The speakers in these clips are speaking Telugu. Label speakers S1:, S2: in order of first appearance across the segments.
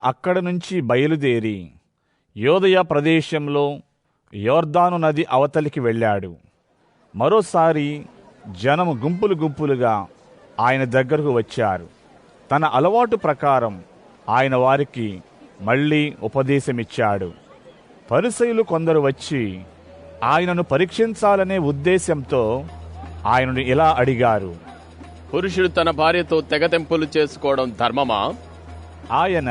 S1: అక్కడ నుంచి బయలుదేరి యోదయ ప్రదేశంలో యోర్దాను నది అవతలికి వెళ్ళాడు. మరోసారి జనము గుంపులు గుంపులుగా ఆయన దగ్గరకు వచ్చారు. తన అలవాటు ప్రకారం ఆయన వారికి మళ్ళీ ఉపదేశమిచ్చాడు. పరిసయ్యులు కొందరు వచ్చి ఆయనను పరీక్షించాలనే ఉద్దేశంతో ఆయనను ఇలా అడిగారు:
S2: పురుషుడు తన భార్యతో తెగతెంపులు చేసుకోవడం ధర్మమా?
S1: ఆయన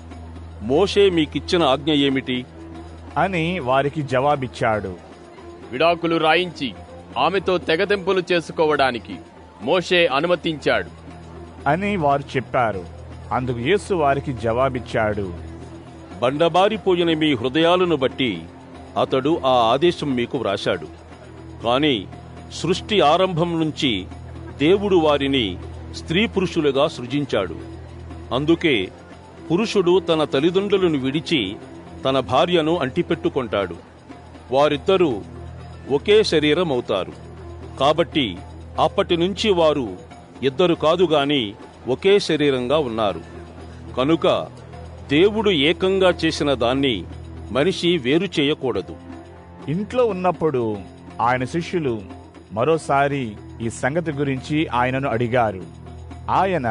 S3: మోషే మీకిచ్చిన ఆజ్ఞ ఏమిటి
S1: అని వారికి జవాబిచ్చాడు.
S2: విడాకులు రాయించి ఆమెతో తెగతెంపులు చేసుకోవడానికి మోషే అనుమతించాడు
S1: అని వారు చెప్పారు. అందుకు యేసు వారికి జవాబిచ్చాడు:
S3: బండబారిపోయిన మీ హృదయాలను బట్టి అతడు ఆ ఆదేశం మీకు వ్రాశాడు. కాని సృష్టి ఆరంభం నుంచి దేవుడు వారిని స్త్రీ పురుషులుగా సృజించాడు. అందుకే పురుషుడు తన తల్లిదండ్రులను విడిచి తన భార్యను అంటిపెట్టుకొంటాడు. వారిద్దరూ ఒకే శరీరం అవుతారు. కాబట్టి అప్పటి నుంచి వారు ఇద్దరు కాదు గాని ఒకే శరీరంగా ఉన్నారు. కనుక దేవుడు ఏకంగా చేసిన దాన్ని మనిషి వేరు చేయకూడదు.
S1: ఇంట్లో ఉన్నప్పుడు ఆయన శిష్యులు మరోసారి ఈ సంగతి గురించి ఆయనను అడిగారు. ఆయన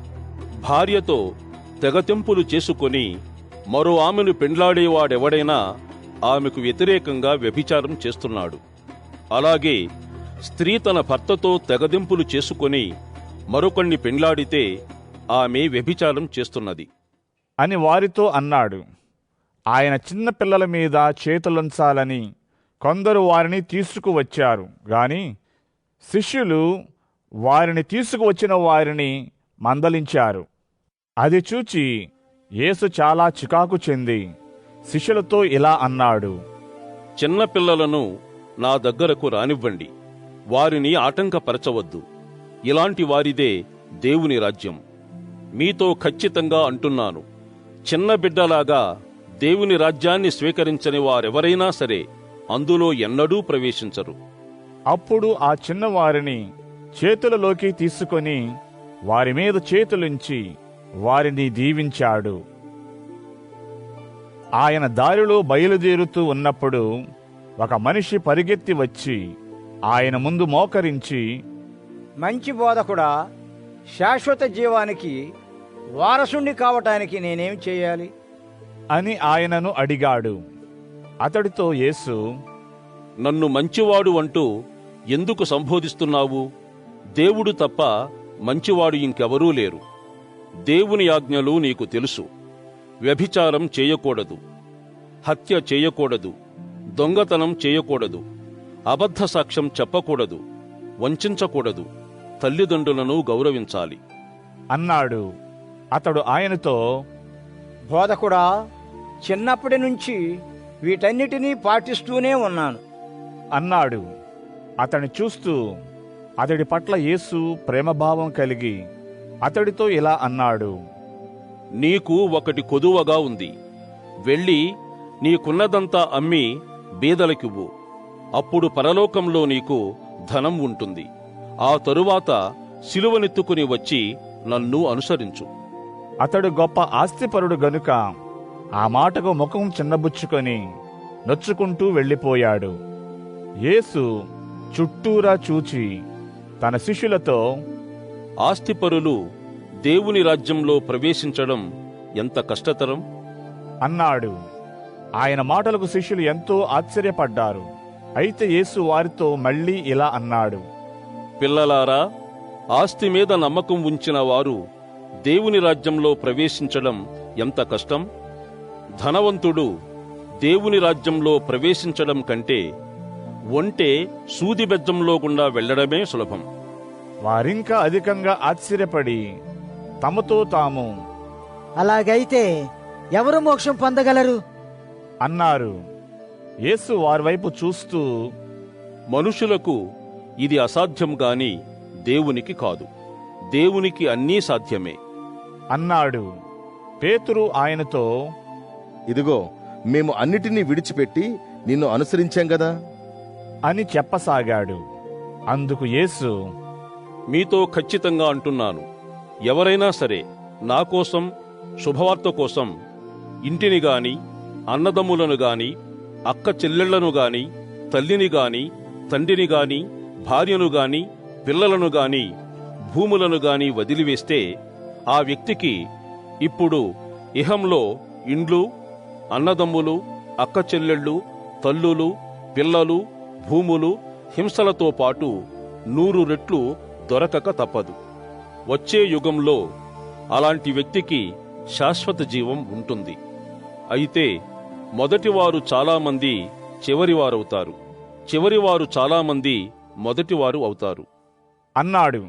S3: భార్యతో తెగతెంపులు చేసుకొని మరో ఆమెను పెండ్లాడేవాడెవడైనా ఆమెకు వ్యతిరేకంగా వ్యభిచారం చేస్తున్నాడు. అలాగే స్త్రీ తన భర్తతో తెగదెంపులు చేసుకొని మరొకణ్ణి పెండ్లాడితే ఆమె వ్యభిచారం చేస్తున్నది
S1: అని వారితో అన్నాడు. ఆయన చిన్న పిల్లల మీద చేతులుంచాలని కొందరు వారిని తీసుకువచ్చారు గాని శిష్యులు వారిని తీసుకువచ్చిన వారిని మందలించారు. అది చూచి యేసు చాలా చికాకు చెంది శిష్యులతో ఇలా అన్నాడు:
S3: చిన్న పిల్లలను నా దగ్గరకు రానివ్వండి, వారిని ఆటంకపరచవద్దు. ఇలాంటి వారిదే దేవుని రాజ్యం. మీతో ఖచ్చితంగా అంటున్నాను, చిన్న బిడ్డలాగా దేవుని రాజ్యాన్ని స్వీకరించని వారెవరైనా సరే అందులో ఎన్నడూ ప్రవేశించరు.
S1: అప్పుడు ఆ చిన్నవారిని చేతులలోకి తీసుకొని వారి మీద చేతులుంచి వారిని దీవించాడు. ఆయన దారిలో బయలుదేరుతూ ఉన్నప్పుడు ఒక మనిషి పరిగెత్తి వచ్చి ఆయన ముందు మోకరించి,
S4: మంచి బోధకుడా, శాశ్వత జీవానికి వారసుండి కావటానికి నేనేం చేయాలి
S1: అని ఆయనను అడిగాడు. అతడితో యేసు,
S3: నన్ను మంచివాడు అంటూ ఎందుకు సంబోధిస్తున్నావు? దేవుడు తప్ప మంచివాడు ఇంకెవరూ లేరు. దేవుని ఆజ్ఞలు నీకు తెలుసు. వ్యభిచారం చేయకూడదు, హత్య చేయకూడదు, దొంగతనం చేయకూడదు, అబద్ధ సాక్ష్యం చెప్పకూడదు, వంచించకూడదు, తల్లిదండ్రులను గౌరవించాలి
S1: అన్నాడు. అతడు ఆయనతో,
S4: బోధకుడా, చిన్నప్పటి నుంచి వీటన్నిటినీ పాటిస్తూనే ఉన్నాను
S1: అన్నాడు. అతన్ని చూస్తూ అతడి పట్ల యేసు ప్రేమభావం కలిగి అతడితో ఇలా అన్నాడు:
S3: నీకు ఒకటి కొదువగా ఉంది. వెళ్ళి నీకున్నదంతా అమ్మి బీదలకివ్వు. అప్పుడు పరలోకంలో నీకు ధనం ఉంటుంది. ఆ తరువాత సిలువనెత్తుకుని వచ్చి నన్ను అనుసరించు.
S1: అతడు గొప్ప ఆస్తిపరుడు గనుక ఆ మాటకు ముఖం చిన్నబుచ్చుకొని నొచ్చుకుంటూ వెళ్ళిపోయాడు. యేసు చుట్టూరా చూచి తన శిష్యులతో,
S3: ఆస్తిపరులు దేవుని రాజ్యంలో ప్రవేశించడం ఎంత కష్టతరం
S1: అన్నాడు. ఆయన మాటలకు శిష్యులు ఎంతో ఆశ్చర్యపడ్డారు. అయితే యేసు వారితో మళ్ళీ ఇలా అన్నాడు:
S3: పిల్లలారా, ఆస్తి మీద నమ్మకం ఉంచిన వారు దేవుని రాజ్యంలో ప్రవేశించడం ఎంత కష్టం. ధనవంతుడు దేవుని రాజ్యంలో ప్రవేశించడం కంటే ఒంటె సూది బెజ్జంలో గుండా వెళ్లడమే సులభం.
S1: వారింకా అధికంగా ఆశ్చర్యపడి తమతో తాము,
S5: అలాగైతే ఎవరు మోక్షం పొందగలరు
S1: అన్నారు. యేసు వారి వైపు చూస్తూ,
S3: మనుషులకు ఇది అసాధ్యం గాని దేవునికి కాదు. దేవునికి అన్నీ సాధ్యమే
S1: అన్నాడు. పేతురు ఆయనతో,
S6: ఇదిగో, మేము అన్నిటినీ విడిచిపెట్టి నిన్ను అనుసరించాం గదా
S1: అని చెప్పసాగాడు. అందుకు యేసు,
S3: మీతో ఖచ్చితంగా అంటున్నాను, ఎవరైనా సరే నా కోసం శుభవార్త కోసం ఇంటిని గాని, అన్నదమ్ములను గాని, అక్క చెల్లెళ్లను గాని, తల్లిని గాని, తండ్రిని గాని, భార్యను గాని, పిల్లలను గాని, భూములను గాని వదిలివేస్తే ఆ వ్యక్తికి ఇప్పుడు ఇహంలో ఇండ్లు, అన్నదమ్ములు, అక్క చెల్లెళ్ళు, తల్లులు, పిల్లలు, భూములు, హింసలతో పాటు 100 రెట్లు దొరకక తప్పదు. వచ్చే యుగంలో అలాంటి వ్యక్తికి శాశ్వత జీవం ఉంటుంది. అయితే మొదటివారు చాలామంది చివరివారవుతారు, చివరివారు చాలామంది మొదటివారు అవుతారు
S1: అన్నాడు.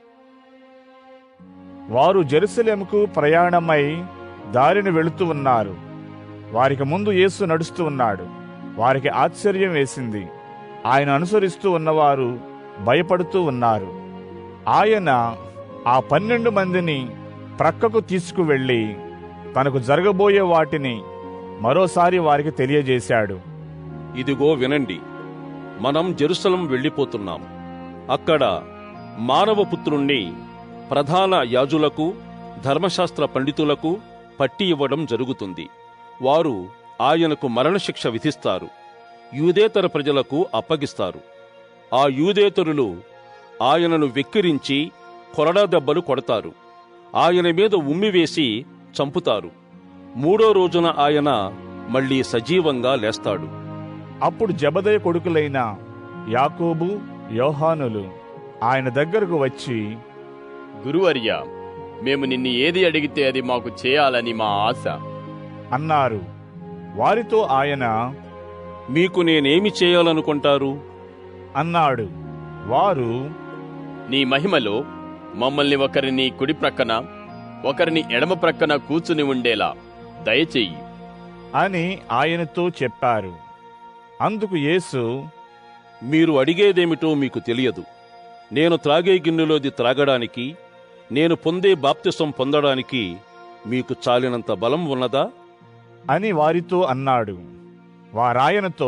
S1: వారు జెరూసలేముకు ప్రయాణమై దారిని వెళుతూ ఉన్నారు. వారికి ముందు యేసు నడుస్తూ ఉన్నాడు. వారికి ఆశ్చర్యం వేసింది. ఆయన అనుసరిస్తూ ఉన్నవారు భయపడుతూ ఉన్నారు. ఆయన ఆ 12 మందిని ప్రక్కకు తీసుకువెళ్ళి తనకు జరగబోయే వాటిని మరోసారి వారికి తెలియజేశాడు.
S3: ఇదిగో వినండి, మనం జెరూసలం వెళ్ళిపోతున్నాం. అక్కడ మానవపుత్రుణ్ణి ప్రధాన యాజులకు, ధర్మశాస్త్ర పండితులకు పట్టి ఇవ్వడం జరుగుతుంది. వారు ఆయనకు మరణశిక్ష విధిస్తారు, యూదేతర ప్రజలకు అప్పగిస్తారు. ఆ యూదేతరులు ఆయనను వెక్కిరించి కొరడా దెబ్బలు కొడతారు, ఆయన మీద ఉమ్మివేసి చంపుతారు. 3వ రోజున ఆయన మళ్లీ సజీవంగా లేస్తాడు.
S1: అప్పుడు జెబెదయి కొడుకులైన యాకోబు, యోహానులు ఆయన దగ్గరకు వచ్చి,
S2: గురువర్య, మేము నిన్ను ఏది అడిగితే అది మాకు చేయాలని మా ఆశ
S1: అన్నారు. వారితో ఆయన,
S3: మీకు నేనేమి చేయాలనుకుంటారు
S1: అన్నాడు. వారు,
S2: నీ మహిమలో మమ్మల్ని ఒకరిని కుడి ప్రక్కన, ఒకరిని ఎడమ ప్రక్కన కూర్చుని ఉండేలా దయచెయ్యి
S1: అని ఆయనతో చెప్పారు. అందుకు యేసు,
S3: మీరు అడిగేదేమిటో మీకు తెలియదు. నేను త్రాగే గిన్నెలోది త్రాగడానికి, నేను పొందే బాప్తిసం పొందడానికి మీకు చాలినంత బలం ఉన్నదా
S1: అని వారితో అన్నాడు. వారాయనతో,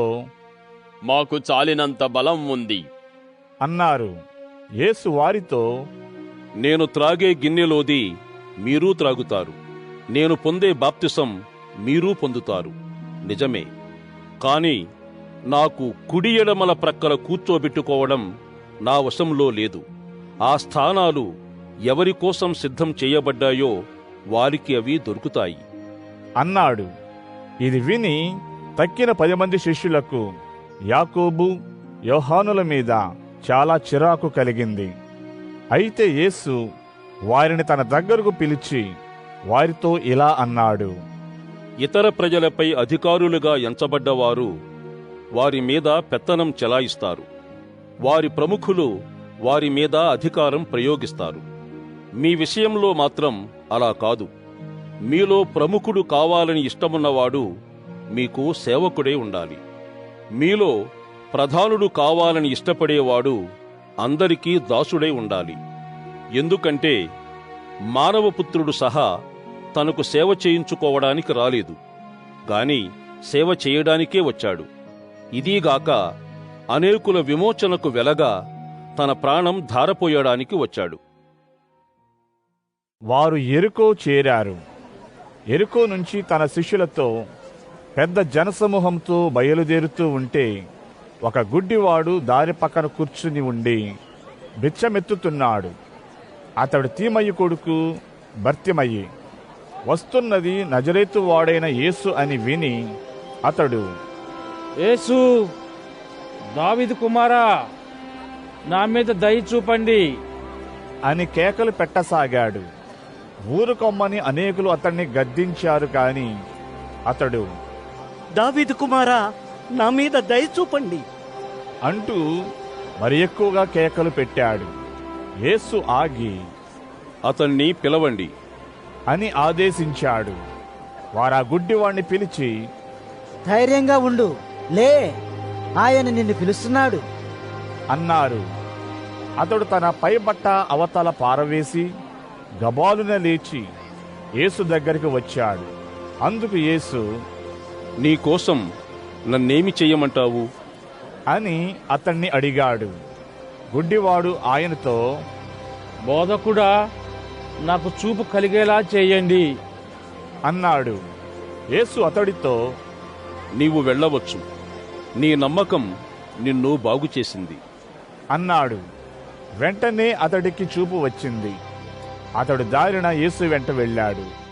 S2: మాకు చాలినంత బలం ఉంది
S1: అన్నారు. యేసు వారితో,
S3: నేను త్రాగే గిన్నెలోది మీరూ త్రాగుతారు, నేను పొందే బాప్తిసం మీరూ పొందుతారు, నిజమే. కాని నాకు కుడి ఎడమల ప్రక్కల కూర్చోబెట్టుకోవడం నా వశంలో లేదు. ఆ స్థానాలు ఎవరి కోసం సిద్ధం చేయబడ్డాయో వారికి అవి దొరుకుతాయి
S1: అన్నాడు. ఇది విని తక్కిన 10 మంది శిష్యులకు యాకోబు, యోహానుల మీద చాలా చిరాకు కలిగింది. అయితే యేసు వారిని తన దగ్గరకు పిలిచి వారితో ఇలా అన్నాడు.
S3: ఇతర ప్రజలపై అధికారులుగా ఎంచబడ్డవారు వారి మీద పెత్తనం చెలాయిస్తారు. వారి ప్రముఖులు వారి మీద అధికారం ప్రయోగిస్తారు. మీ విషయంలో మాత్రం అలా కాదు. మీలో ప్రముఖుడు కావాలని ఇష్టమున్నవాడు మీకు సేవకుడే ఉండాలి. మీలో ప్రధానుడు కావాలని ఇష్టపడేవాడు అందరికీ దాసుడై ఉండాలి. ఎందుకంటే మానవపుత్రుడు సహా తనకు సేవ చేయించుకోవడానికి రాలేదు, గాని సేవ చేయడానికే వచ్చాడు. ఇదీగాక అనేకుల విమోచనకు వెలగా తన ప్రాణం ధారపోయడానికి వచ్చాడు.
S1: వారు యెరికో చేరారు. యెరికో నుంచి తన శిష్యులతో పెద్ద జనసమూహంతో బయలుదేరుతూ ఉంటే ఒక గుడ్డివాడు దారి పక్కన కూర్చుని ఉండి బిచ్చమెత్తుతున్నాడు. అతడు తీమయ్యి కొడుకు బర్తిమయ్యి. వస్తున్నది నజరేతు వాడైన యేసు అని విని అతడు,
S7: యేసు, దావీదు కుమారా, నా మీద దయ చూపండి
S1: అని కేకలు పెట్టసాగాడు. ఊరుకొమ్మని అనేకులు అతన్ని గద్దించారు. కాని అతడు,
S8: దావీదు కుమారా, నా మీద దయ చూపండి
S1: అంటూ మరి ఎక్కువగా కేకలు పెట్టాడు. యేసు ఆగి
S3: అతన్ని పిలవండి
S1: అని ఆదేశించాడు. వారా గుడ్డివాణ్ణి పిలిచి,
S5: ధైర్యంగా ఉండు, లే, ఆయన నిన్ను పిలుస్తున్నాడు
S1: అన్నారు. అతడు తన పైబట్ట అవతల పారవేసి గబాలున లేచి యేసు దగ్గరికి వచ్చాడు. అందుకు యేసు,
S3: నీకోసం నన్నేమి చెయ్యమంటావు
S1: అని అతన్ని అడిగాడు. గుడ్డివాడు ఆయనతో,
S7: బోధకుడా, నాకు చూపు కలిగేలా చేయండి
S1: అన్నాడు. యేసు అతడితో,
S3: నీవు వెళ్ళవచ్చు, నీ నమ్మకం నిన్ను బాగుచేసింది
S1: అన్నాడు. వెంటనే అతడికి చూపు వచ్చింది. అతడు దారిన యేసు వెంట వెళ్ళాడు.